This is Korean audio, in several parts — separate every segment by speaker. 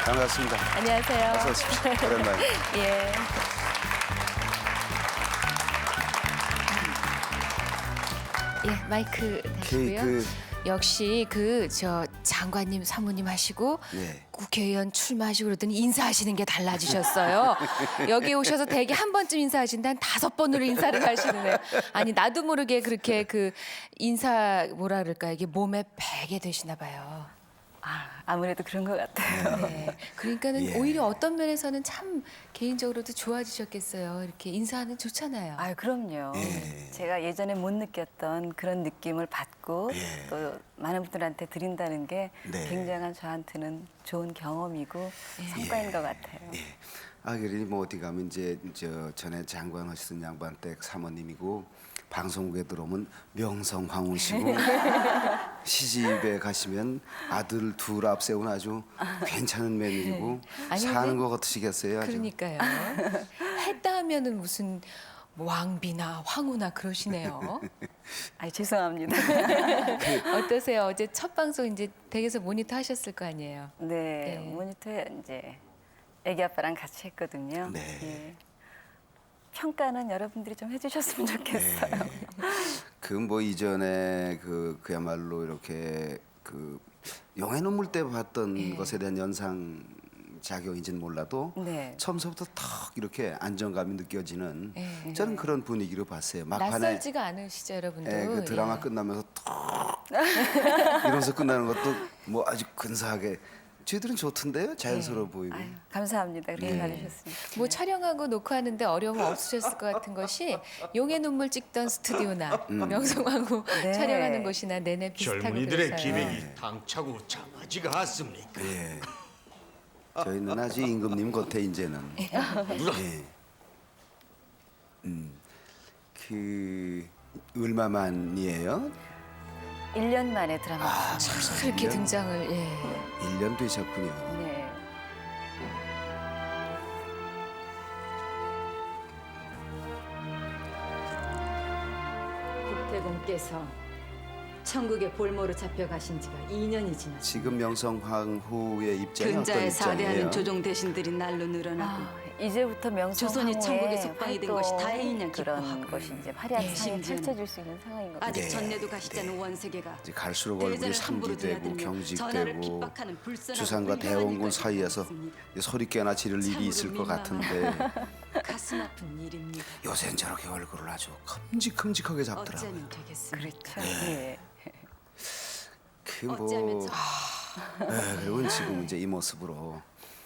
Speaker 1: 반갑습니다.
Speaker 2: 안녕하세요.
Speaker 1: 어서 오십시오. 오랜만에.
Speaker 2: 예. 예, 마이크 다시고요. 역시 장관님, 사모님 하시고
Speaker 1: 네.
Speaker 2: 국회의원 출마하시고 그러더니 인사하시는 게 달라지셨어요. 여기 오셔서 대개 한 번쯤 인사하신다 한 5번으로 인사를 하시네요. 아니 나도 모르게 그렇게 인사 뭐라 그럴까 이게 몸에 배게 되시나 봐요.
Speaker 3: 아무래도 그런 것 같아요.
Speaker 2: 네. 그러니까는
Speaker 1: 예.
Speaker 2: 오히려 어떤 면에서는 참 개인적으로도 좋아지셨겠어요. 이렇게 인사하는 좋잖아요.
Speaker 3: 그럼요.
Speaker 1: 예.
Speaker 3: 제가 예전에 못 느꼈던 그런 느낌을 받고
Speaker 1: 예.
Speaker 3: 또 많은 분들한테 드린다는 게
Speaker 1: 네.
Speaker 3: 굉장한 저한테는 좋은 경험이고 성과인 것 같아요.
Speaker 1: 예. 그러니 뭐 어디 가면 이제 전에 장관 하시던 양반 댁 사모님이고 방송국에 들어오면 명성황후시고 시집에 가시면 아들 둘 앞세운 아주 괜찮은 며느리고
Speaker 2: 아니,
Speaker 1: 사는
Speaker 2: 근데
Speaker 1: 것 같으시겠어요. 아주.
Speaker 2: 그러니까요. 했다 하면은 무슨 뭐 왕비나 황후나 그러시네요.
Speaker 3: 죄송합니다.
Speaker 2: 어떠세요? 어제 첫 방송 이제 댁에서 모니터 하셨을 거 아니에요.
Speaker 3: 네,
Speaker 2: 네.
Speaker 3: 모니터에 이제 애기 아빠랑 같이 했거든요.
Speaker 1: 네.
Speaker 3: 예. 평가는 여러분들이 좀 해주셨으면 좋겠어요.
Speaker 1: 뭐 이전에 그야말로 이렇게 영의 눈물 때 봤던 것에 대한 연상 작용인지는 몰라도
Speaker 3: 네.
Speaker 1: 처음서부터 탁 이렇게 안정감이 느껴지는
Speaker 2: 예.
Speaker 1: 저는 그런 분위기로 봤어요. 막판에
Speaker 2: 낯설지가 않으시죠, 여러분들.
Speaker 1: 그 드라마
Speaker 2: 예.
Speaker 1: 끝나면서 탁 이러면서 끝나는 것도 뭐 아주 근사하게 저희들은 좋던데요. 자연스러워 보이고.
Speaker 3: 감사합니다. 그렇게
Speaker 1: 예.
Speaker 3: 봐주셨습니다.
Speaker 2: 뭐 촬영하고 녹화하는데 어려움 없으셨을 것 같은 것이 용의 눈물 찍던 스튜디오나 명성황후
Speaker 3: 네.
Speaker 2: 촬영하는 곳이나 내내 비슷하고
Speaker 4: 젊은이들의
Speaker 2: 그래서요.
Speaker 4: 기백이 당차고 참하지가 않습니까?
Speaker 1: 예. 저희는 아주 임금님 겉에 이제는. 예. 얼마만이에요?
Speaker 3: 1년 만에 드라마.
Speaker 2: 그렇게 등장을 예.
Speaker 1: 1년 되셨군요.
Speaker 3: 네.
Speaker 5: 국태공께서 천국의 볼모로 잡혀가신 지가 2년이 지났습니다.
Speaker 1: 지금 명성황후의 입장이 어떤
Speaker 5: 근자에
Speaker 1: 입장이에요?
Speaker 5: 사대하는 조종 대신들이 날로 늘어나고
Speaker 3: 이제부터 명성황후의
Speaker 5: 조선이 천국에 속방이 된 것이 다행이냐
Speaker 3: 그런
Speaker 5: 기뻐하고.
Speaker 3: 것이 이제 화려한
Speaker 2: 예,
Speaker 3: 상이
Speaker 5: 심지어는
Speaker 3: 펼쳐질 수 있는 상황인 것 같아요.
Speaker 5: 아직
Speaker 1: 네,
Speaker 5: 전내도 가시지 않은 원세계가
Speaker 1: 이제 갈수록 얼굴이
Speaker 5: 대전을 함부로
Speaker 1: 상기되고
Speaker 5: 드나들며 전하를
Speaker 1: 경직되고
Speaker 5: 핍박하는 불쌍한
Speaker 1: 주상과
Speaker 5: 훌륭한
Speaker 1: 대원군
Speaker 5: 일까지
Speaker 1: 사이에서
Speaker 5: 벌였습니다.
Speaker 1: 이제 소리 깨나 지를 일이
Speaker 5: 참으로
Speaker 1: 있을 것
Speaker 5: 민망하고
Speaker 1: 같은데
Speaker 5: 가슴 아픈 일입니다.
Speaker 1: 요새는 저렇게 얼굴을 아주 큼직큼직하게 잡더라고요.
Speaker 5: 어쩌면 되겠습니까?
Speaker 3: 그렇죠. 예.
Speaker 5: 어쩌면
Speaker 1: 그리고 지금 이제 이 모습으로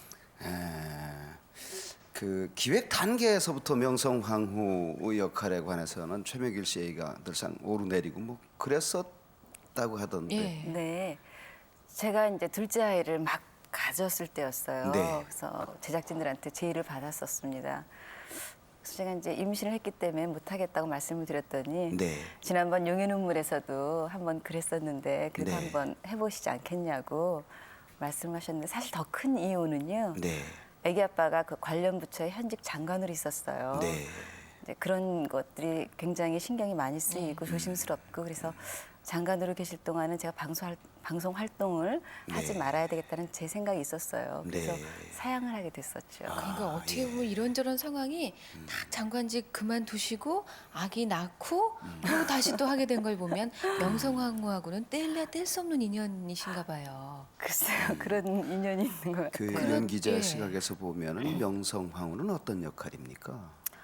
Speaker 1: 기획 단계에서부터 명성황후의 역할에 관해서는 최명길 씨 얘기가 늘상 오르내리고 뭐 그랬었다고 하던데.
Speaker 2: 예.
Speaker 3: 네. 제가 이제 둘째 아이를 막 가졌을 때였어요.
Speaker 1: 네.
Speaker 3: 그래서 제작진들한테 제의를 받았었습니다. 그래서 제가 이제 임신을 했기 때문에 못하겠다고 말씀을 드렸더니
Speaker 1: 네.
Speaker 3: 지난번 용의 눈물에서도 한번 그랬었는데 그래도
Speaker 1: 네.
Speaker 3: 한번 해보시지 않겠냐고 말씀하셨는데 사실 더 큰 이유는요.
Speaker 1: 네.
Speaker 3: 아기 아빠가 그 관련 부처의 현직 장관으로 있었어요.
Speaker 1: 네.
Speaker 3: 이제 그런 것들이 굉장히 신경이 많이 쓰이고 조심스럽고 그래서 장관으로 계실 동안은 제가 방송 활동을 하지
Speaker 1: 네.
Speaker 3: 말아야 되겠다는 제 생각이 있었어요. 그래서
Speaker 1: 네.
Speaker 3: 사양을 하게 됐었죠.
Speaker 2: 그러니까 어떻게 보면 이런저런 상황이 딱 장관직 그만두시고 아기 낳고 그리고 다시 또 하게 된 걸 보면 명성황후하고는 뗄래야 뗄 수 없는 인연이신가 봐요.
Speaker 3: 글쎄요, 그런 인연이 있는 것 같아요.
Speaker 1: 이런 기자
Speaker 2: 예.
Speaker 1: 시각에서 보면은 명성황후는 어떤 역할입니까?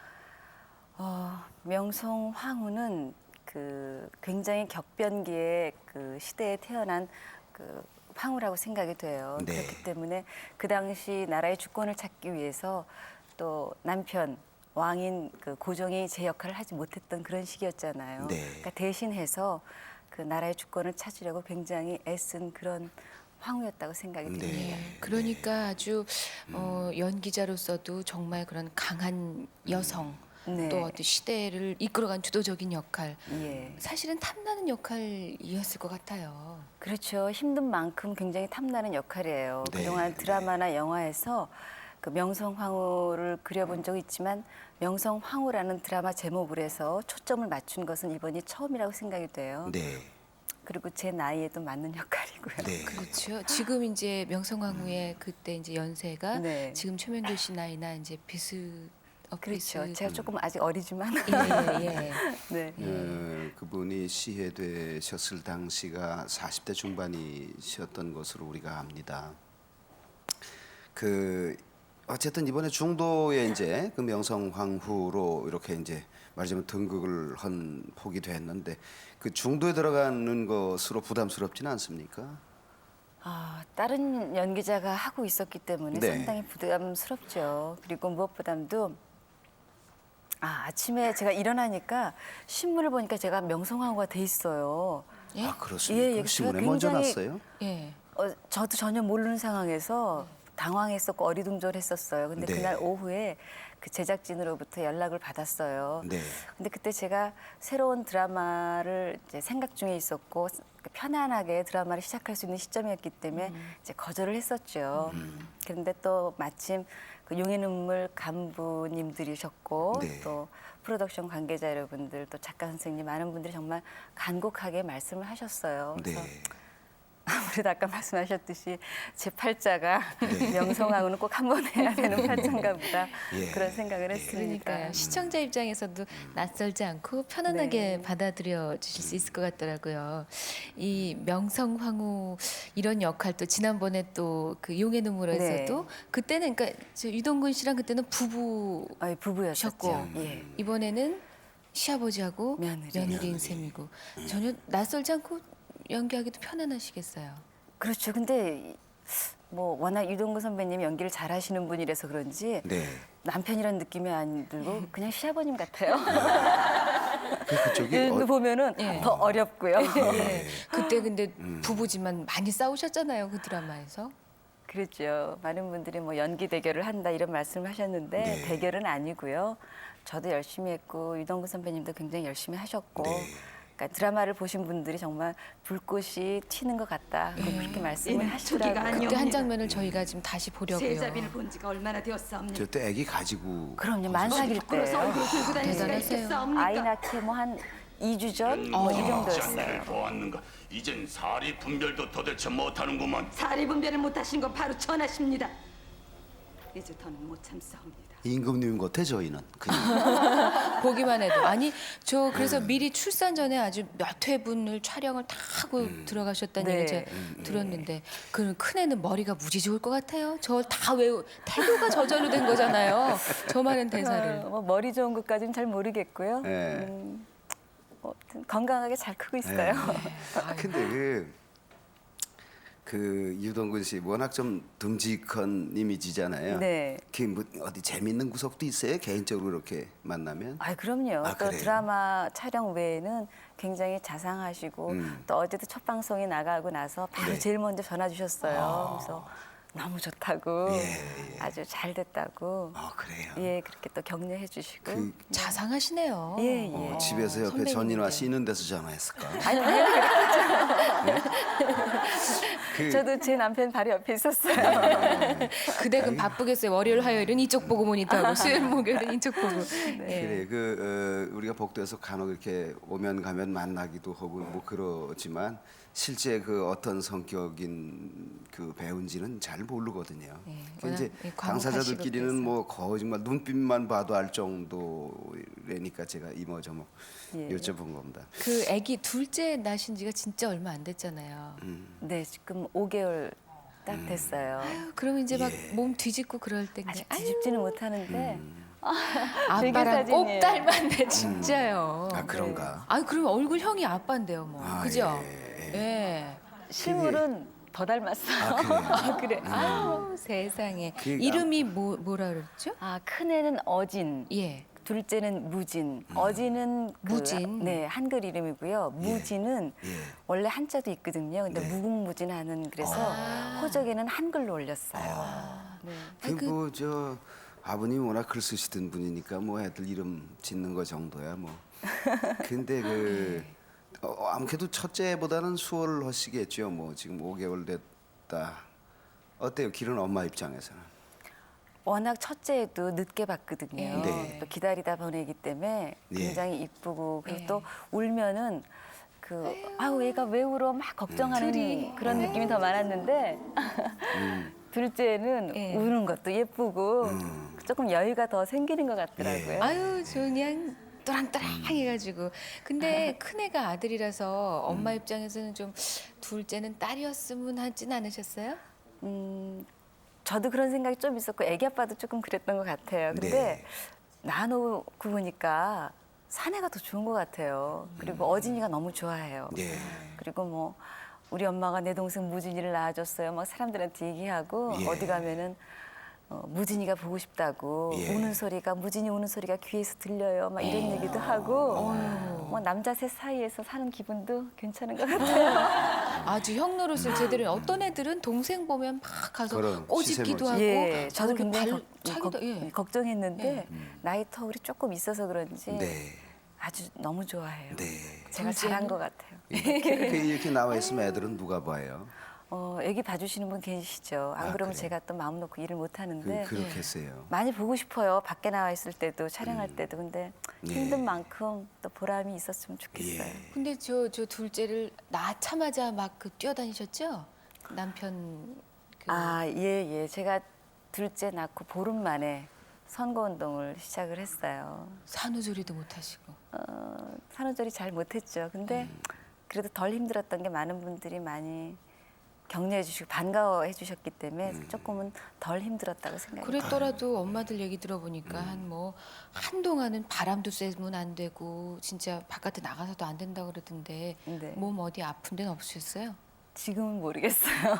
Speaker 3: 명성황후는 그 굉장히 격변기의 그 시대에 태어난 그 황후라고 생각이 돼요.
Speaker 1: 네.
Speaker 3: 그렇기 때문에 그 당시 나라의 주권을 찾기 위해서 또 남편 왕인 그 고종이 제 역할을 하지 못했던 그런 시기였잖아요.
Speaker 1: 네.
Speaker 3: 그러니까 대신해서 그 나라의 주권을 찾으려고 굉장히 애쓴 그런 황후였다고 생각이
Speaker 1: 네.
Speaker 3: 듭니다.
Speaker 2: 예. 그러니까 아주 연기자로서도 정말 그런 강한 여성
Speaker 3: 네.
Speaker 2: 또 어떤 시대를 이끌어간 주도적인 역할
Speaker 3: 예.
Speaker 2: 사실은 탐나는 역할이었을 것 같아요.
Speaker 3: 그렇죠. 힘든 만큼 굉장히 탐나는 역할이에요.
Speaker 1: 네,
Speaker 3: 그동안 드라마나 영화에서 그 명성황후를 그려본 적이 있지만 명성황후라는 드라마 제목을 해서 초점을 맞춘 것은 이번이 처음이라고 생각이 돼요.
Speaker 1: 네.
Speaker 3: 그리고 제 나이에도 맞는 역할이고요.
Speaker 1: 네.
Speaker 2: 그렇죠. 지금 이제 명성황후의 그때 이제 연세가
Speaker 3: 네.
Speaker 2: 지금 최명길 씨 나이나 이제
Speaker 3: 그렇죠. 제가 조금 아직 어리지만
Speaker 2: 예.
Speaker 3: 네.
Speaker 1: 그분이 시해되셨을 당시가 40대 중반이셨던 것으로 우리가 압니다. 그 어쨌든 이번에 중도에 이제 그 명성황후로 이렇게 이제 말하자면 등극을 한 폭이 됐는데 그 중도에 들어가는 것으로 부담스럽지는 않습니까?
Speaker 3: 다른 연기자가 하고 있었기 때문에
Speaker 1: 네.
Speaker 3: 상당히 부담스럽죠. 그리고 무엇보다도 아침에 제가 일어나니까 신문을 보니까 제가 명성황후가 돼 있어요.
Speaker 1: 아 그렇습니까?
Speaker 3: 제가
Speaker 1: 신문에 먼저
Speaker 3: 굉장히-
Speaker 1: 났어요?
Speaker 2: 예.
Speaker 3: 저도 전혀 모르는 상황에서 당황했었고 어리둥절했었어요. 근데
Speaker 1: 네.
Speaker 3: 그날 오후에 그 제작진으로부터 연락을 받았어요.
Speaker 1: 네.
Speaker 3: 근데 그때 제가 새로운 드라마를 이제 생각 중에 있었고 편안하게 드라마를 시작할 수 있는 시점이었기 때문에 이제 거절을 했었죠. 그런데 또 마침 그 용의 눈물 간부님들이셨고
Speaker 1: 네.
Speaker 3: 또 프로덕션 관계자 여러분들 또 작가 선생님 많은 분들이 정말 간곡하게 말씀을 하셨어요.
Speaker 1: 네.
Speaker 3: 그래서 아무래도 아까 말씀하셨듯이 제 팔자가
Speaker 1: 네.
Speaker 3: 명성황후는 꼭 한 번 해야 되는 팔자인가 보다
Speaker 1: 예.
Speaker 3: 그런 생각을 했습니다.
Speaker 2: 그러니까요. 시청자 입장에서도 낯설지 않고 편안하게
Speaker 3: 네.
Speaker 2: 받아들여 주실 수 있을 것 같더라고요. 이 명성황후 이런 역할도 지난번에 또 그 용의 눈물에서도
Speaker 3: 네.
Speaker 2: 그때는 그러니까 저 유동근 씨랑 그때는 부부
Speaker 3: 부부였었죠.
Speaker 2: 셨고
Speaker 3: 예.
Speaker 2: 이번에는 시아버지하고
Speaker 3: 며느리.
Speaker 2: 며느리인 셈이고 전혀 낯설지 않고 연기하기도 편안하시겠어요.
Speaker 3: 그렇죠. 근데 뭐 워낙 유동근 선배님 연기를 잘하시는 분이라서 그런지
Speaker 1: 네.
Speaker 3: 남편이라는 느낌이 안 들고 그냥 시아버님 같아요.
Speaker 1: 그쪽이
Speaker 3: 근데 보면은
Speaker 2: 예.
Speaker 3: 더 어렵고요.
Speaker 2: 예. 그때 근데 부부지만 많이 싸우셨잖아요 그 드라마에서.
Speaker 3: 그렇죠. 많은 분들이 뭐 연기 대결을 한다 이런 말씀을 하셨는데
Speaker 1: 네.
Speaker 3: 대결은 아니고요. 저도 열심히 했고 유동근 선배님도 굉장히 열심히 하셨고
Speaker 1: 네.
Speaker 3: 그러니까 드라마를 보신 분들이 정말 불꽃이 튀는 것 같다 그렇게 말씀을
Speaker 5: 얘는
Speaker 3: 하시더라고요.
Speaker 5: 초기가 아니요.
Speaker 2: 그때 한 장면을 저희가 지금 다시 보려고요.
Speaker 5: 세자비를 본 지가 얼마나 되었사옵니까?
Speaker 1: 저때 아기 가지고
Speaker 3: 그럼요. 만삭일
Speaker 5: 부끄러서
Speaker 3: 때예요.
Speaker 5: 얼굴 들고 다닐 수가
Speaker 2: 대단하세요.
Speaker 5: 있겠사옵니까?
Speaker 3: 아이 낳기 뭐 한 2주 전? 뭐 이 정도였어요.
Speaker 6: 장례를 보았는가? 이젠 사리 분별도 도대체 못하는구먼.
Speaker 5: 사리 분별을 못하신 건 바로 전하십니다. 이제 더는 못 참사옵니다.
Speaker 1: 임금님 같아 저희는 그냥.
Speaker 2: 보기만 해도 아니 저 그래서 미리 출산 전에 아주 몇 회분을 촬영을 다 하고 들어가셨다는
Speaker 3: 네.
Speaker 2: 얘기 제가 들었는데 그 큰 애는 머리가 무지 좋을 것 같아요. 저 다 외우 태교가 저절로 된 거잖아요. 저 많은 대사를.
Speaker 3: 뭐 머리 좋은 것까지는 잘 모르겠고요.
Speaker 1: 네.
Speaker 3: 아무튼 건강하게 잘 크고 있어요.
Speaker 1: 근데 그 유동근 씨 워낙 좀 듬직한 이미지잖아요.
Speaker 3: 네.
Speaker 1: 뭐 어디 재밌는 구석도 있어요? 개인적으로 이렇게 만나면?
Speaker 3: 그럼요.
Speaker 1: 아,
Speaker 3: 또
Speaker 1: 그래요?
Speaker 3: 드라마 촬영 외에는 굉장히 자상하시고 또 어제도 첫 방송이 나가고 나서 바로
Speaker 1: 네.
Speaker 3: 제일 먼저 전화 주셨어요. 그래서 너무 좋다고 아주 잘 됐다고
Speaker 1: 그래요.
Speaker 3: 예 그렇게 또 격려해 주시고
Speaker 1: 그
Speaker 2: 자상하시네요.
Speaker 3: 예, 예.
Speaker 1: 집에서 옆에
Speaker 2: 선배님인데.
Speaker 1: 전인화 쉬는 데서 전화했을까?
Speaker 3: 아니 당연히
Speaker 1: 그,
Speaker 3: 저도 제 남편 바로 옆에 있었어요.
Speaker 2: 그 댁은 바쁘겠어요. 월요일 화요일은 이쪽 보고 모니터하고 수요일 목요일은 이쪽 보고. 예.
Speaker 1: 그래 우리가 복도에서 간혹 이렇게 오면 가면 만나기도 하고 뭐 그러지만 실제 그 어떤 성격인 그 배우인지는 잘 모르거든요.
Speaker 2: 예,
Speaker 1: 그 이제
Speaker 2: 워낙, 예,
Speaker 1: 당사자들끼리는
Speaker 2: 과묵하시고
Speaker 1: 뭐 거의 정말 눈빛만 봐도 알 정도라니까 제가 이모저모
Speaker 3: 예.
Speaker 1: 여쭤본 겁니다.
Speaker 2: 그 아기 둘째 낳으신 지가 진짜 얼마 안 됐잖아요.
Speaker 3: 네 지금 5개월 딱 됐어요.
Speaker 2: 그럼 이제 막 몸 뒤집고 그럴 때인데
Speaker 3: 아직 뒤집지는 못하는데 되게
Speaker 2: 아빠랑 꼭
Speaker 3: 사진이에요.
Speaker 2: 닮았네 진짜요.
Speaker 1: 아 그런가?
Speaker 2: 아 그럼 얼굴 형이 아빠인데요 뭐. 그죠? 예.
Speaker 3: 실물은 더 닮았어요.
Speaker 1: 아, 그래요?
Speaker 2: 그래. 아유 세상에.
Speaker 1: 그,
Speaker 2: 이름이 뭐라 그랬죠?
Speaker 3: 큰애는 어진,
Speaker 2: 예.
Speaker 3: 둘째는 무진. 어진은
Speaker 2: 무진.
Speaker 3: 네 한글 이름이고요. 무진은
Speaker 1: 예.
Speaker 3: 원래 한자도 있거든요. 근데 무궁무진하는 그래서 호적에는 한글로 올렸어요. 네.
Speaker 1: 그리고 저 아버님 워낙 글 쓰시던 분이니까 뭐 애들 이름 짓는 거 정도야 뭐. 근데 아무래도 첫째보다는 수월하시겠죠. 뭐 지금 5개월 됐다. 어때요? 길은 엄마 입장에서는?
Speaker 3: 워낙 첫째도 늦게 봤거든요.
Speaker 1: 네.
Speaker 3: 또 기다리다 보내기 때문에
Speaker 1: 예.
Speaker 3: 굉장히 이쁘고 그리고
Speaker 2: 예.
Speaker 3: 또 울면은 아우 얘가 왜 울어 막 걱정하는
Speaker 2: 둘이.
Speaker 3: 그런 느낌이 더 많았는데 둘째는
Speaker 2: 예.
Speaker 3: 우는 것도 예쁘고 조금 여유가 더 생기는 것 같더라고요.
Speaker 2: 아유, 저 그냥 또랑또랑해가지고. 근데 큰 애가 아들이라서 엄마 입장에서는 좀 둘째는 딸이었으면 하진 않으셨어요?
Speaker 3: 저도 그런 생각이 좀 있었고 애기 아빠도 조금 그랬던 것 같아요. 근데
Speaker 1: 네.
Speaker 3: 낳아놓고 보니까 사내가 더 좋은 것 같아요. 그리고 어진이가 너무 좋아해요.
Speaker 1: 예.
Speaker 3: 그리고 뭐 우리 엄마가 내 동생 무진이를 낳아줬어요. 막 사람들한테 얘기하고
Speaker 1: 예.
Speaker 3: 어디 가면은 무진이가 보고 싶다고
Speaker 1: 예.
Speaker 3: 우는 소리가 무진이 우는 소리가 귀에서 들려요. 막 이런 얘기도 하고 뭐 남자 셋 사이에서 사는 기분도 괜찮은 것 같아요.
Speaker 2: 아주 형 노릇을 제대로. 어떤 애들은 동생 보면 막 가서
Speaker 1: 그런
Speaker 2: 꼬집기도
Speaker 1: 시샘을
Speaker 2: 하고.
Speaker 3: 예, 저도
Speaker 2: 그리고
Speaker 3: 굉장히
Speaker 2: 차기도, 예.
Speaker 3: 걱정했는데 나이 터울이 조금 있어서 그런지
Speaker 1: 네.
Speaker 3: 아주 너무 좋아해요.
Speaker 1: 네.
Speaker 3: 제가 잘한 것 같아요.
Speaker 1: 이렇게 나와 있으면 애들은 누가 봐요?
Speaker 3: 애기 봐주시는 분 계시죠. 안
Speaker 1: 아,
Speaker 3: 그러면
Speaker 1: 그래요?
Speaker 3: 제가 또 마음 놓고 일을 못 하는데
Speaker 1: 그렇게 했어요.
Speaker 3: 많이 보고 싶어요. 밖에 나와 있을 때도 촬영할 때도. 근데
Speaker 1: 네.
Speaker 3: 힘든 만큼 또 보람이 있었으면 좋겠어요.
Speaker 1: 예.
Speaker 2: 근데 저 둘째를 낳자마자 막 뛰어다니셨죠? 남편
Speaker 3: 예. 제가 둘째 낳고 보름 만에 선거운동을 시작을 했어요.
Speaker 2: 산후조리도 못 하시고.
Speaker 3: 산후조리 잘 못했죠. 근데 그래도 덜 힘들었던 게 많은 분들이 많이 격려해 주시고 반가워해 주셨기 때문에 조금은 덜 힘들었다고 생각해요.
Speaker 2: 그랬더라도 엄마들 얘기 들어보니까 한동안은 바람도 쐬면 안 되고 진짜 바깥에 나가서도 안 된다고 그러던데
Speaker 3: 네.
Speaker 2: 몸 어디 아픈 데는 없으셨어요?
Speaker 3: 지금은 모르겠어요.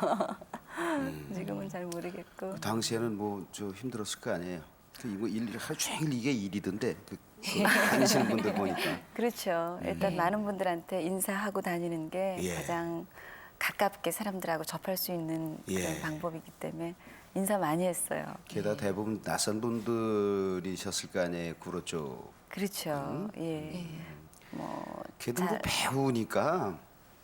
Speaker 3: 지금은 잘 모르겠고.
Speaker 1: 그 당시에는 뭐 저 힘들었을 거 아니에요. 이거 하루 종일 이게 일이던데 그 다니시는 분들 보니까.
Speaker 3: 그렇죠. 일단 많은 분들한테 인사하고 다니는 게
Speaker 1: 예.
Speaker 3: 가장 가깝게 사람들하고 접할 수 있는 그런
Speaker 1: 예.
Speaker 3: 방법이기 때문에 인사 많이 했어요.
Speaker 1: 게다가 대부분 낯선 분들이셨을 거 아니에요. 구로 쪽.
Speaker 3: 그렇죠. 예. 뭐
Speaker 1: 걔도 뭐
Speaker 3: 잘-
Speaker 1: 배우니까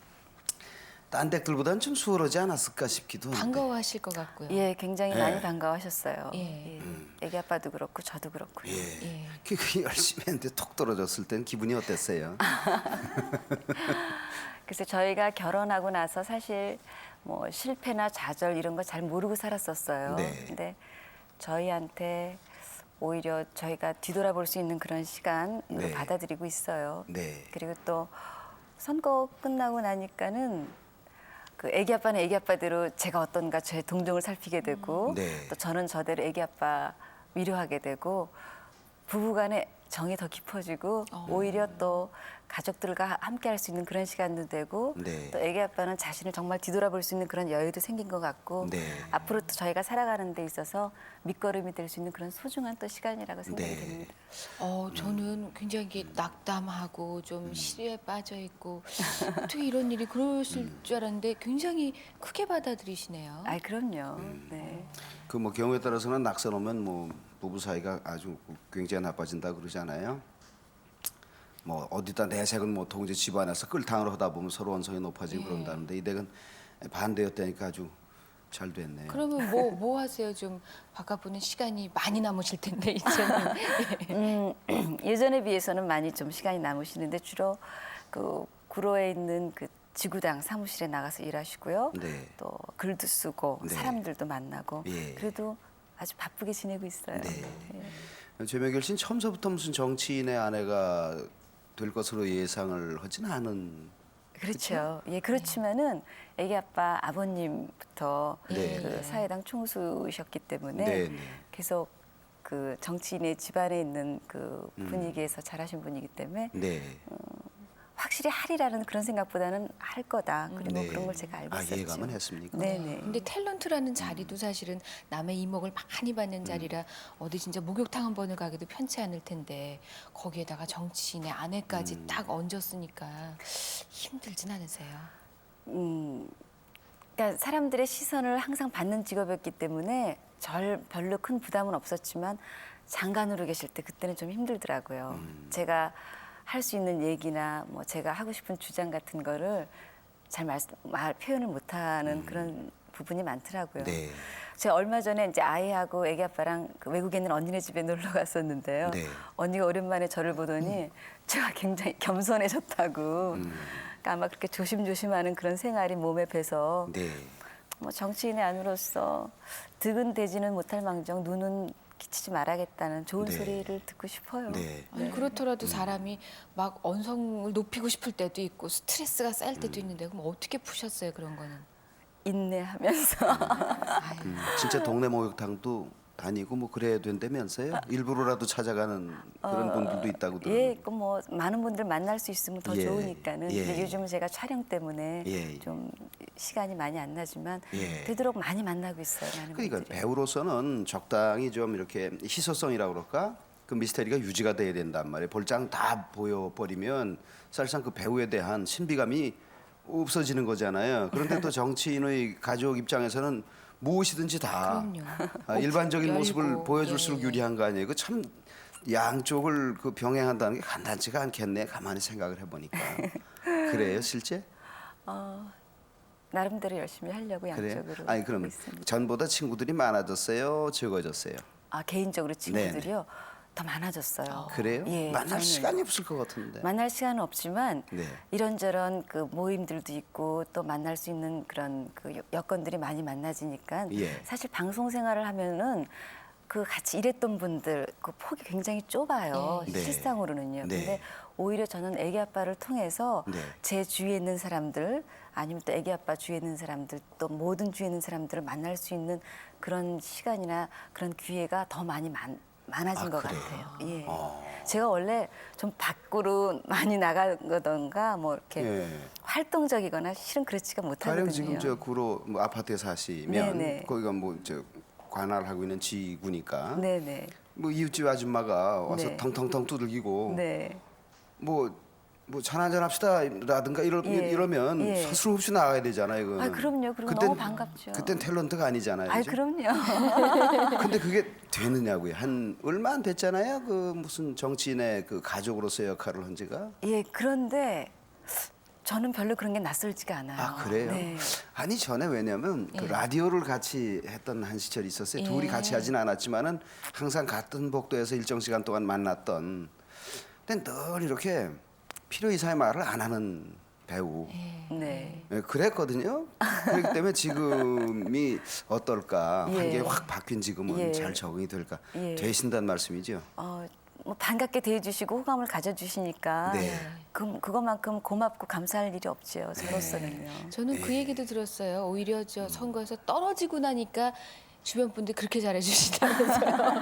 Speaker 1: 딴 댁들보다는 좀 수월하지 않았을까 싶기도 한데.
Speaker 2: 반가워하실 것 같고요.
Speaker 3: 예, 굉장히
Speaker 1: 예.
Speaker 3: 많이 반가워하셨어요.
Speaker 2: 예.
Speaker 3: 애기 아빠도 그렇고 저도 그렇고요.
Speaker 1: 예.
Speaker 2: 예.
Speaker 1: 그 열심히 했는데 톡 떨어졌을 땐 기분이 어땠어요?
Speaker 3: 그래서 저희가 결혼하고 나서 사실 뭐 실패나 좌절 이런 거 잘 모르고 살았었어요.
Speaker 1: 네.
Speaker 3: 근데 저희한테 오히려 저희가 뒤돌아볼 수 있는 그런 시간으로
Speaker 1: 네.
Speaker 3: 받아들이고 있어요.
Speaker 1: 네.
Speaker 3: 그리고 또 선거 끝나고 나니까는 그 애기 아빠는 애기 아빠대로 제가 어떤가 제 동정을 살피게 되고
Speaker 1: 네.
Speaker 3: 또 저는 저대로 애기 아빠 위로하게 되고 부부간의 정이 더 깊어지고 오히려 또 가족들과 함께 할 수 있는 그런 시간도 되고
Speaker 1: 네.
Speaker 3: 또 애기 아빠는 자신을 정말 뒤돌아볼 수 있는 그런 여유도 생긴 것 같고
Speaker 1: 네.
Speaker 3: 앞으로 또 저희가 살아가는 데 있어서 밑거름이 될 수 있는 그런 소중한 또 시간이라고 생각이
Speaker 1: 네.
Speaker 3: 됩니다.
Speaker 2: 저는 굉장히 이게 낙담하고 좀 시리에 빠져 있고 어떻게 이런 일이 그러실 줄 알았는데 굉장히 크게 받아들이시네요.
Speaker 3: 아, 그럼요. 네.
Speaker 1: 그 뭐 경우에 따라서는 낙선 오면 뭐 부부 사이가 아주 굉장히 나빠진다 그러잖아요. 뭐 어디다 내색은 못하고 이제 집안에서 끌탕을 하다 보면 서로 원성이 높아지고 그런다는데 이 댁은 반대였다니까 아주 잘 됐네요.
Speaker 2: 그러면 뭐 하세요? 좀 바깥보는 시간이 많이 남으실 텐데 이제는.
Speaker 3: 예전에 비해서는 많이 좀 시간이 남으시는데 주로 그 구로에 있는 그 지구당 사무실에 나가서 일하시고요.
Speaker 1: 네.
Speaker 3: 또 글도 쓰고
Speaker 1: 네.
Speaker 3: 사람들도 만나고
Speaker 1: 예.
Speaker 3: 그래도 아주 바쁘게 지내고 있어요.
Speaker 1: 네.
Speaker 3: 예.
Speaker 1: 최명길 씨는 처음서부터 무슨 정치인의 아내가 될 것으로 예상을 하진 않은.
Speaker 3: 그렇죠. 예, 그렇지만은 애기 아빠 아버님부터
Speaker 1: 네.
Speaker 3: 그 사회당 총수셨기 때문에
Speaker 1: 네, 네.
Speaker 3: 계속 그 정치인의 집안에 있는 그 분위기에서 자라신 분이기 때문에
Speaker 1: 네.
Speaker 3: 확실히 하리라는 그런 생각보다는 할 거다. 그리고
Speaker 1: 네.
Speaker 3: 그런 걸 제가 알고
Speaker 1: 아,
Speaker 3: 있었죠.
Speaker 1: 예감은 했습니까?
Speaker 3: 네네.
Speaker 2: 근데 탤런트라는 자리도 사실은 남의 이목을 많이 받는 자리라 어디 진짜 목욕탕 한 번을 가기도 편치 않을 텐데 거기에다가 정치인의 아내까지 딱 얹었으니까 힘들진 않으세요?
Speaker 3: 그러니까 사람들의 시선을 항상 받는 직업이었기 때문에 별로 큰 부담은 없었지만 장관으로 계실 때 그때는 좀 힘들더라고요. 제가 할 수 있는 얘기나 뭐 제가 하고 싶은 주장 같은 거를 잘 표현을 못하는 그런 부분이 많더라고요.
Speaker 1: 네.
Speaker 3: 제가 얼마 전에 이제 아이하고 애기 아빠랑 그 외국에 있는 언니네 집에 놀러 갔었는데요.
Speaker 1: 네.
Speaker 3: 언니가 오랜만에 저를 보더니 제가 굉장히 겸손해졌다고 그러니까 아마 그렇게 조심조심하는 그런 생활이 몸에 배서
Speaker 1: 네.
Speaker 3: 뭐 정치인의 아내로서 득은 되지는 못할 망정 눈은 끼치지 말아야겠다는 좋은
Speaker 1: 네.
Speaker 3: 소리를 듣고 싶어요.
Speaker 1: 네.
Speaker 2: 아니, 그렇더라도 사람이 막 언성을 높이고 싶을 때도 있고 스트레스가 쌓일 때도 있는데 그럼 어떻게 푸셨어요 그런 거는?
Speaker 3: 인내하면서
Speaker 2: 아유,
Speaker 1: 진짜 동네 목욕탕도 다니고 뭐 그래야 된다면서요? 일부러라도 찾아가는 그런 분들도 있다고 들었는데.
Speaker 3: 예, 뭐 많은 분들 만날 수 있으면 더
Speaker 1: 예,
Speaker 3: 좋으니까는.
Speaker 1: 예,
Speaker 3: 근데
Speaker 1: 예.
Speaker 3: 요즘은 제가 촬영 때문에
Speaker 1: 예, 예.
Speaker 3: 좀 시간이 많이 안 나지만
Speaker 1: 예.
Speaker 3: 되도록 많이 만나고 있어요. 많은
Speaker 1: 그러니까
Speaker 3: 분들이.
Speaker 1: 배우로서는 적당히 좀 이렇게 희소성이라고 그럴까? 그 미스터리가 유지가 돼야 된단 말이에요. 볼장 다 보여버리면 사실상 그 배우에 대한 신비감이 없어지는 거잖아요. 그런데 또 정치인의 가족 입장에서는 무엇이든지 다
Speaker 2: 그럼요.
Speaker 1: 일반적인
Speaker 2: 열고,
Speaker 1: 모습을 보여줄수록
Speaker 2: 예.
Speaker 1: 유리한 거 아니에요. 그 참 양쪽을 그 병행한다는 게 간단치가 않겠네. 가만히 생각을 해보니까. 그래요, 실제?
Speaker 3: 나름대로 열심히 하려고
Speaker 1: 그래요?
Speaker 3: 양쪽으로
Speaker 1: 아니
Speaker 3: 하고
Speaker 1: 그럼
Speaker 3: 있습니다.
Speaker 1: 전보다 친구들이 많아졌어요, 적어졌어요?
Speaker 3: 아, 개인적으로 친구들이요 더 많아졌어요.
Speaker 1: 그래요?
Speaker 3: 예,
Speaker 1: 만날
Speaker 3: 저는
Speaker 1: 시간이 없을 것 같은데.
Speaker 3: 만날 시간은 없지만
Speaker 1: 네.
Speaker 3: 이런저런 그 모임들도 있고 또 만날 수 있는 그런 그 여건들이 많이 만나지니까
Speaker 1: 예.
Speaker 3: 사실 방송 생활을 하면은 그 같이 일했던 분들 그 폭이 굉장히 좁아요.
Speaker 1: 네.
Speaker 3: 실상으로는요.
Speaker 1: 네.
Speaker 3: 근데 오히려 저는 애기 아빠를 통해서
Speaker 1: 네.
Speaker 3: 제 주위에 있는 사람들 아니면 또 애기 아빠 주위에 있는 사람들 또 모든 주위에 있는 사람들을 만날 수 있는 그런 시간이나 그런 기회가 더 많이 많아진
Speaker 1: 아,
Speaker 3: 것
Speaker 1: 그래요?
Speaker 3: 같아요. 예. 제가 원래 좀 밖으로 많이 나가거든가 뭐 이렇게
Speaker 1: 예.
Speaker 3: 활동적이거나 실은 그렇지가
Speaker 1: 가령
Speaker 3: 못하거든요.
Speaker 1: 지금 저 구로 뭐 아파트에 사시면
Speaker 3: 네네.
Speaker 1: 거기가 뭐 저 관할하고 있는 지구니까
Speaker 3: 네네.
Speaker 1: 뭐 이웃집 아줌마가 와서
Speaker 3: 네.
Speaker 1: 텅텅텅 두들기고
Speaker 3: 네.
Speaker 1: 뭐 차 한잔 합시다라든가
Speaker 3: 예.
Speaker 1: 이러면
Speaker 3: 예.
Speaker 1: 서슴없이 나가야 되잖아요. 그거는.
Speaker 3: 아, 그럼요. 그리고
Speaker 1: 그땐-
Speaker 3: 너무 반갑죠.
Speaker 1: 그땐 탤런트가 아니잖아요.
Speaker 3: 아,
Speaker 1: 그죠?
Speaker 3: 그럼요.
Speaker 1: 근데 그게 되느냐고요. 한 얼마 안 됐잖아요. 그 무슨 정치인의 그 가족으로서의 역할을 한 지가.
Speaker 3: 예, 그런데 저는 별로 그런 게 낯설지가 않아요.
Speaker 1: 아 그래요?
Speaker 3: 네.
Speaker 1: 아니 전에 왜냐면 그 라디오를 같이 했던 한 시절이 있었어요. 둘이
Speaker 2: 예.
Speaker 1: 같이 하진 않았지만은 항상 같은 복도에서 일정 시간 동안 만났던. 근데 늘 이렇게 필요 이상의 말을 안 하는 배우.
Speaker 3: 네.
Speaker 1: 예, 그랬거든요. 그렇기 때문에 지금이 어떨까?
Speaker 3: 예.
Speaker 1: 한게 확 바뀐 지금은
Speaker 3: 예.
Speaker 1: 잘 적응이 될까?
Speaker 3: 예.
Speaker 1: 되신다는 말씀이죠.
Speaker 3: 뭐 반갑게 대해주시고 호감을 가져주시니까
Speaker 1: 네.
Speaker 3: 그것만큼 고맙고 감사할 일이 없죠. 저로서는요.
Speaker 2: 저는 그 얘기도 들었어요. 오히려 저 선거에서 떨어지고 나니까 주변 분들 그렇게 잘해주시다면서요.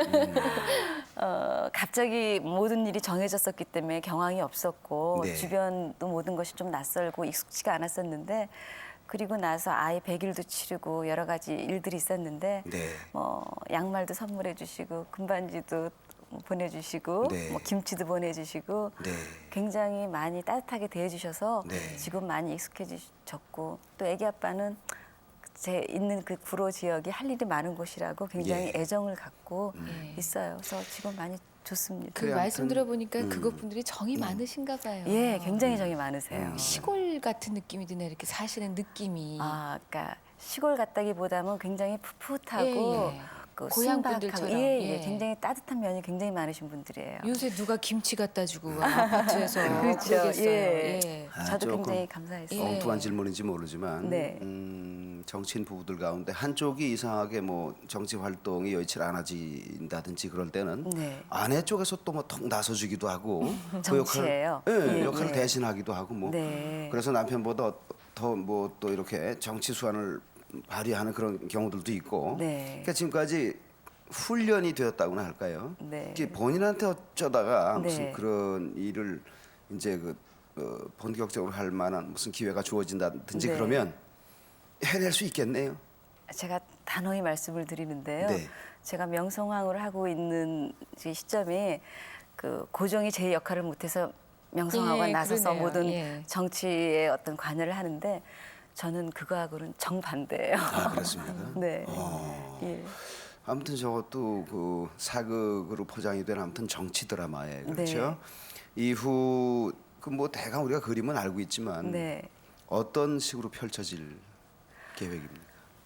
Speaker 3: 갑자기 모든 일이 정해졌었기 때문에 경황이 없었고
Speaker 1: 네.
Speaker 3: 주변도 모든 것이 좀 낯설고 익숙지가 않았었는데 그리고 나서 아이 100일도 치르고 여러 가지 일들이 있었는데
Speaker 1: 네.
Speaker 3: 뭐 양말도 선물해 주시고 금반지도 보내주시고
Speaker 1: 네.
Speaker 3: 뭐 김치도 보내주시고
Speaker 1: 네.
Speaker 3: 굉장히 많이 따뜻하게 대해주셔서
Speaker 1: 네.
Speaker 3: 지금 많이 익숙해지셨고 또 애기 아빠는 제 있는 그 구로 지역이 할 일이 많은 곳이라고 굉장히
Speaker 1: 예.
Speaker 3: 애정을 갖고
Speaker 2: 예.
Speaker 3: 있어요. 그래서 지금 많이 좋습니다.
Speaker 2: 그
Speaker 1: 그래,
Speaker 2: 말씀
Speaker 1: 아무튼,
Speaker 2: 들어보니까 그것분들이 정이 많으신가 봐요.
Speaker 3: 예, 굉장히 정이 많으세요.
Speaker 2: 시골 같은 느낌이 드네 이렇게 사시는 느낌이.
Speaker 3: 아, 그러니까 시골 같다기보다는 굉장히 풋풋하고
Speaker 2: 예, 예.
Speaker 3: 그
Speaker 2: 고향
Speaker 3: 순박하고
Speaker 2: 분들처럼,
Speaker 3: 예,
Speaker 2: 예.
Speaker 3: 굉장히 따뜻한 면이 굉장히 많으신 분들이에요.
Speaker 2: 요새 누가 김치 갖다 주고 아파트에서
Speaker 3: 그렇죠.
Speaker 2: 그러겠어요.
Speaker 3: 예.
Speaker 2: 예.
Speaker 1: 아,
Speaker 3: 저도
Speaker 1: 조금
Speaker 3: 굉장히 감사했어요.
Speaker 2: 예.
Speaker 1: 엉뚱한 질문인지 모르지만
Speaker 3: 네.
Speaker 1: 정치인 부부들 가운데 한쪽이 이상하게 뭐 정치 활동이 여의치 않아진다든지 그럴 때는
Speaker 3: 네.
Speaker 1: 아내 쪽에서 또 뭐 턱 나서주기도 하고
Speaker 3: 정치예요?
Speaker 1: 그 역할, 예,
Speaker 3: 예,
Speaker 1: 역할을
Speaker 3: 예.
Speaker 1: 대신하기도 하고 뭐
Speaker 3: 네.
Speaker 1: 그래서 남편보다 더 뭐 또 이렇게 정치 수완을 발휘하는 그런 경우들도 있고
Speaker 3: 네.
Speaker 1: 그러니까 지금까지 훈련이 되었다고나 할까요?
Speaker 3: 네.
Speaker 1: 이게 본인한테 어쩌다가
Speaker 3: 네.
Speaker 1: 무슨 그런 일을 이제 본격적으로 할 만한 무슨 기회가 주어진다든지
Speaker 3: 네.
Speaker 1: 그러면 해낼 수 있겠네요.
Speaker 3: 제가 단호히 말씀을 드리는데요.
Speaker 1: 네.
Speaker 3: 제가 명성황후를 하고 있는 이 시점에 그 고종이 제 역할을 못해서 명성황후가
Speaker 2: 예,
Speaker 3: 나서서
Speaker 2: 그러네요.
Speaker 3: 모든
Speaker 2: 예.
Speaker 3: 정치의 어떤 관여를 하는데 저는 그거하고는 정반대예요.
Speaker 1: 아, 그렇습니까?
Speaker 3: 네.
Speaker 1: 어.
Speaker 3: 예.
Speaker 1: 아무튼 저것도 그 사극으로 포장이 된 아무튼 정치 드라마에 그렇죠.
Speaker 3: 네.
Speaker 1: 이후 그 뭐 대강 우리가 그림은 알고 있지만
Speaker 3: 네.
Speaker 1: 어떤 식으로 펼쳐질 계획입니까?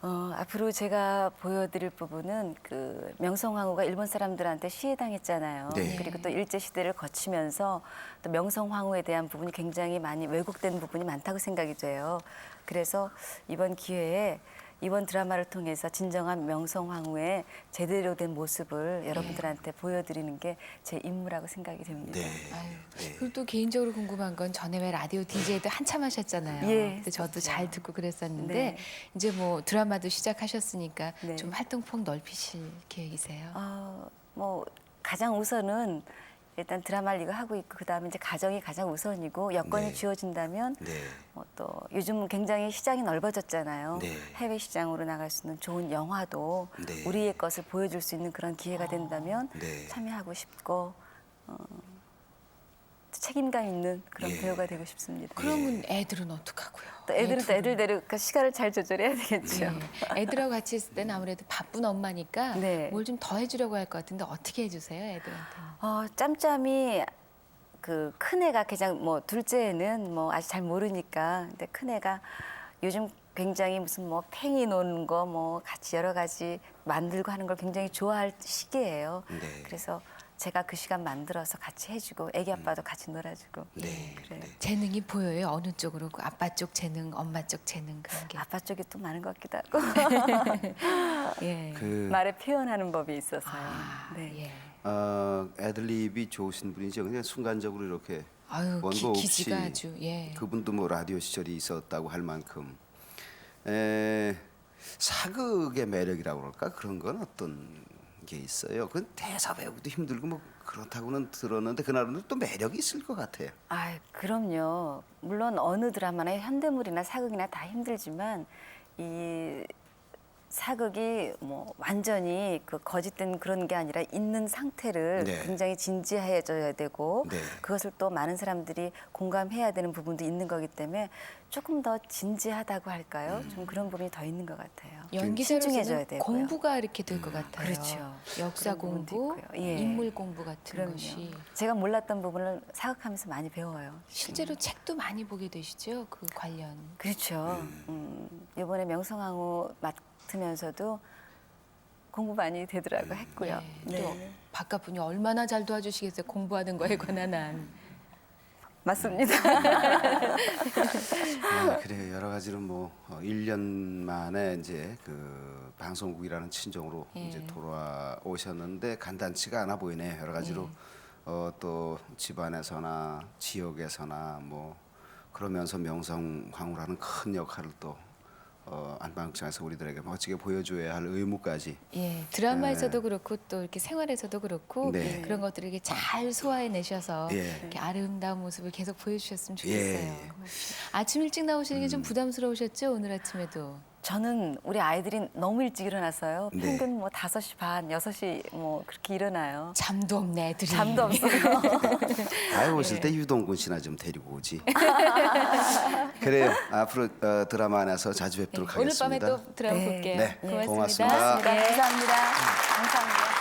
Speaker 3: 앞으로 제가 보여드릴 부분은 그 명성황후가 일본 사람들한테 시해당했잖아요.
Speaker 1: 네.
Speaker 3: 그리고 또 일제 시대를 거치면서 또 명성황후에 대한 부분이 굉장히 많이 왜곡된 부분이 많다고 생각이 돼요. 그래서 이번 기회에 이번 드라마를 통해서 진정한 명성황후의 제대로 된 모습을 여러분들한테 보여드리는 게 제 임무라고 생각이 됩니다.
Speaker 1: 네.
Speaker 2: 아유, 그리고 또 개인적으로 궁금한 건 전에 왜 라디오 DJ도 한참 하셨잖아요.
Speaker 3: 예,
Speaker 2: 근데 저도 잘 듣고 그랬었는데
Speaker 3: 네.
Speaker 2: 이제 뭐 드라마도 시작하셨으니까
Speaker 3: 네.
Speaker 2: 좀 활동폭 넓히실 계획이세요?
Speaker 3: 뭐 가장 우선은 일단 드라마를 이거 하고 있고 그다음에 이제 가정이 가장 우선이고 여건이
Speaker 1: 네.
Speaker 3: 주어진다면
Speaker 1: 네.
Speaker 3: 또 요즘 굉장히 시장이 넓어졌잖아요.
Speaker 1: 네.
Speaker 3: 해외 시장으로 나갈 수 있는 좋은 영화도
Speaker 1: 네.
Speaker 3: 우리의 것을 보여줄 수 있는 그런 기회가 된다면
Speaker 1: 네.
Speaker 3: 참여하고 싶고 책임감 있는 그런
Speaker 1: 예.
Speaker 3: 배우가 되고 싶습니다.
Speaker 2: 그러면 애들은 어떡하고요?
Speaker 3: 또 애들은 또 애들대로 그 시간을 잘 조절해야 되겠죠.
Speaker 2: 네. 애들하고 같이 있을 때는 아무래도 바쁜 엄마니까
Speaker 3: 네.
Speaker 2: 뭘 좀 더 해주려고 할 것 같은데 어떻게 해주세요, 애들한테는?
Speaker 3: 짬짬이 그 큰애가 가장 뭐 둘째는 뭐 아직 잘 모르니까 근데 큰애가 요즘 굉장히 무슨 뭐 팽이 노는 거 뭐 같이 여러 가지 만들고 하는 걸 굉장히 좋아할 시기예요.
Speaker 1: 네.
Speaker 3: 그래서 제가 그 시간 만들어서 같이 해주고 애기 아빠도 같이 놀아주고
Speaker 1: 네.
Speaker 3: 그래요.
Speaker 2: 재능이 보여요? 어느 쪽으로? 그 아빠 쪽 재능, 엄마 쪽 재능 그런 게.
Speaker 3: 아빠 쪽이 또 많은 것 같기도 하고
Speaker 2: 예.
Speaker 1: 그
Speaker 3: 말에 표현하는 법이 있어서요.
Speaker 2: 아,
Speaker 3: 네.
Speaker 2: 예.
Speaker 1: 애들립이 좋으신 분이죠. 그냥 순간적으로 이렇게
Speaker 2: 아유,
Speaker 1: 원고 없이
Speaker 2: 기지가 아주 예.
Speaker 1: 그분도 뭐 라디오 시절이 있었다고 할 만큼 사극의 매력이라고 그럴까 그런 건 어떤 게 있어요. 그건 대사 배우기도 힘들고 뭐 그렇다고는 들었는데 그날은 또 매력이 있을 것 같아요.
Speaker 3: 그럼요. 물론 어느 드라마나 현대물이나 사극이나 다 힘들지만 이 사극이 뭐 완전히 그 거짓된 그런 게 아니라 있는 상태를
Speaker 1: 네.
Speaker 3: 굉장히 진지해져야 되고
Speaker 1: 네.
Speaker 3: 그것을 또 많은 사람들이 공감해야 되는 부분도 있는 거기 때문에 조금 더 진지하다고 할까요? 좀 그런 부분이 더 있는 것 같아요.
Speaker 2: 연기자로서는
Speaker 3: 신중해져야 되고요.
Speaker 2: 공부가 이렇게 될 것 같아요.
Speaker 3: 그렇죠.
Speaker 2: 역사
Speaker 3: 그런 부분도
Speaker 2: 공부,
Speaker 3: 있고요. 예.
Speaker 2: 인물 공부 같은
Speaker 3: 그럼요.
Speaker 2: 것이
Speaker 3: 제가 몰랐던 부분을 사극하면서 많이 배워요.
Speaker 2: 실제로 책도 많이 보게 되시죠? 그 관련.
Speaker 3: 그렇죠. 이번에 명성황후 맡으면서도 공부 많이 되더라고 했고요.
Speaker 2: 네. 또 바깥 분이 얼마나 잘 도와주시겠어요? 공부하는 거에 관한 한.
Speaker 3: 맞습니다.
Speaker 1: 그래요. 여러 가지로 뭐 1년 만에 이제 그 방송국이라는 친정으로
Speaker 2: 예.
Speaker 1: 이제 돌아오셨는데 간단치가 않아 보이네요. 여러 가지로 또 집안에서나 지역에서나 뭐 그러면서 명성황후라는 큰 역할을 또 안방극장에서 우리들에게 멋지게 보여줘야 할 의무까지
Speaker 2: 예, 드라마에서도 그렇고 또 이렇게 생활에서도 그렇고
Speaker 1: 네.
Speaker 2: 그런 것들을 이렇게 잘 소화해내셔서
Speaker 1: 예.
Speaker 2: 이렇게 아름다운 모습을 계속 보여주셨으면 좋겠어요.
Speaker 1: 예.
Speaker 2: 아침 일찍 나오시는 게 좀 부담스러우셨죠? 오늘 아침에도.
Speaker 3: 저는 우리 아이들이 너무 일찍 일어났어요.
Speaker 1: 네.
Speaker 3: 평균 뭐 5시 반, 6시 뭐 그렇게 일어나요.
Speaker 2: 잠도 없네 애들이.
Speaker 3: 잠도 없어요.
Speaker 1: 아유 오실 때 유동근 씨나 좀 데리고 오지. 그래요. 앞으로 드라마 안에서 자주 뵙도록
Speaker 2: 오늘
Speaker 1: 하겠습니다.
Speaker 2: 밤에 또 드라마
Speaker 3: 네.
Speaker 2: 볼게요.
Speaker 1: 네.
Speaker 2: 고맙습니다.
Speaker 1: 고맙습니다.
Speaker 3: 감사합니다. 감사합니다.